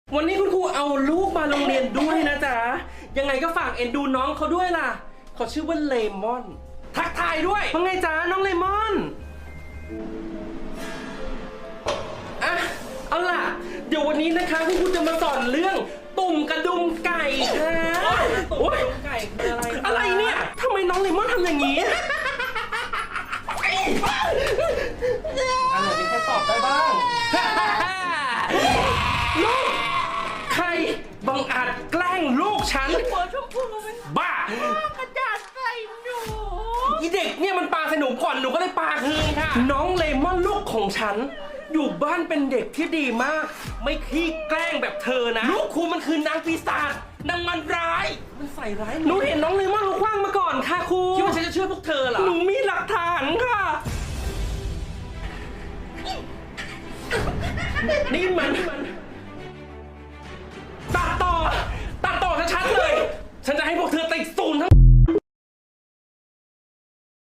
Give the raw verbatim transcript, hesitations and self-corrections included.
วันนี้คุณครูเอาลูกมาโรงเรียนด้วยนะจ๊ะยังไงก็ฝากเอ็นดูน้องเขาด้วยล่ะเขาชื่อว่าเลมอนทักทายด้วยว่าไงจ๊ะน้องเลมอนอ่ะเอาล่ะเดี๋ยววันนี้นะคะคุณครูจะมาสอนเรื่องตุ่มกระดุมไก่ค่ะตุ่มกระดุมไก่คืออะไรอะไรเนี่ยทำไมน้องเลมอนทำอย่างนี้อะไรนี่แค่ตอบได้บ้างลูกใครบังอาจแกล้งลูกฉันหัวชมพูมันบ้ากระดาษใส่หนูอีเด็กเนี่ยมันปาใส่หนูก่อนหนูก็เลยปาคืนค่ะน้องเลมอนลูกของฉันอยู่บ้านเป็นเด็กที่ดีมากไม่ขี้แกล้งแบบเธอนะลูกครูมันคือนางปีศาจนางมันร้ายมันใส่ร้ายหนูเห็นน้องเลมอนลูกคว้างมาก่อนค่ะครูคิดว่าฉันจะเชื่อพวกเธอเหรอหนูมีหลักฐานค่ะนี่มัน